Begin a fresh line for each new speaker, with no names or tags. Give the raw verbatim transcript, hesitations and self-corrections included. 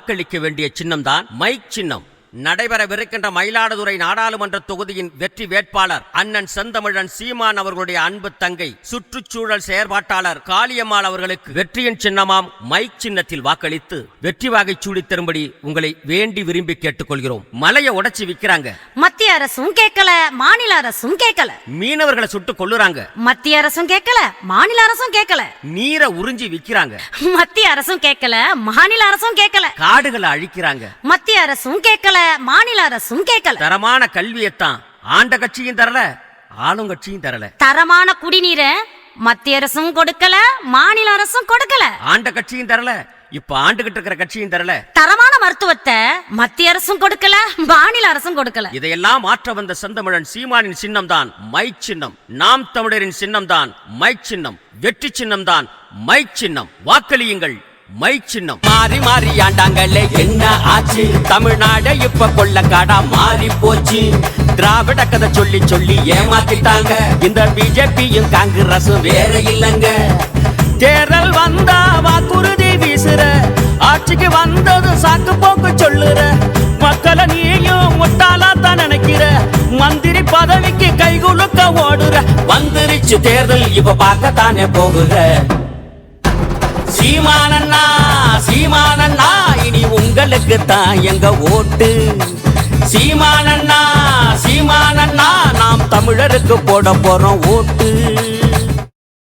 வாக்களிக்க வேண்டிய சின்னம்தான் மைக் சின்னம். நடைபெறவிருக்கின்ற மயிலாடுதுறை நாடாளுமன்ற தொகுதியின் வெற்றி வேட்பாளர் அண்ணன் செந்தமிழன் சீமான் அவர்களுடைய அன்பு தங்கை சுற்றுச்சூழல் செயற்பாட்டாளர் காளியம்மாள் அவர்களுக்கு வெற்றியின் சின்னமாம் மைக் சின்னத்தில் வாக்களித்து வெற்றி வாகை சூடி தரும்படி உங்களை வேண்டி விரும்பி கேட்டுக்கொள்கிறோம். மலையை உடைச்சு விக்கிறாங்க,
மத்திய அரசும் கேட்கல, மாநில அரசும் கேட்கல.
மீனவர்களை சுட்டு கொல்லுறாங்க,
மத்திய அரசும் கேட்கல, மாநில அரசும் கேட்கல.
நீரை உறிஞ்சி விக்கிறாங்க,
மத்திய அரசும் கேட்கல, மாநில அரசும் கேட்கல.
காடுகளை அழிக்கிறாங்க,
மத்திய அரசும் கேட்கல, மாநில அரசும் கேட்கல.
தரமான கல்வியத்தான் ஆண்ட கட்சியும் தரல, ஆளுங்கட்சியும் தரல.
தரமான குடிநீரை மத்திய அரசும் கொடுக்கல, மாநில அரசும் கொடுக்கல.
ஆண்ட கட்சியும் தரல, இப்ப ஆண்டுகிட்டு இருக்கிற கட்சியும் தரல.
தரமான மருத்துவத்தை மத்திய அரசும் கொடுக்கல, மாநில அரசும் கொடுக்கல.
இதையெல்லாம் மாற்ற வந்த செந்தமிழன் சீமானின் சின்னம் தான் மைக் சின்னம். நாம் தமிழரின் சின்னம் தான் மைக் சின்னம். வெற்றி சின்னம் தான் மைக் சின்னம். வாக்களியுங்கள் மைக் சின்னம். மாறி மாறி ஆண்டாங்களே என்ன ஆச்சு, தமிழ்நாடு இப்ப கொள்ளக்காடா மாறி போச்சு. திராவிட கதை சொல்லி சொல்லி ஏமாத்திட்டாங்க, இந்த பிஜேபியும் காங்கிரஸும் வேற இல்லங்க. தேர்தல் வந்தா வாக்குறுதி வீசுற, ஆட்சிக்கு வந்தது சாக்கு போக்கு சொல்லுற. மக்களை நீயும் முட்டாளா தான் நினைக்கிற, மந்திரி பதவிக்கு கைகுலுக்க ஓடுற. வந்துருச்சு தேர்தல் இப்ப பார்க்கத்தானே போகுற. சீமானண்ணா சீமானண்ணா இனி உங்களுக்கு தான் எங்க ஓட்டு. சீமானண்ணா சீமானண்ணா நாம் தமிழருக்கு போட போறோம் ஓட்டு.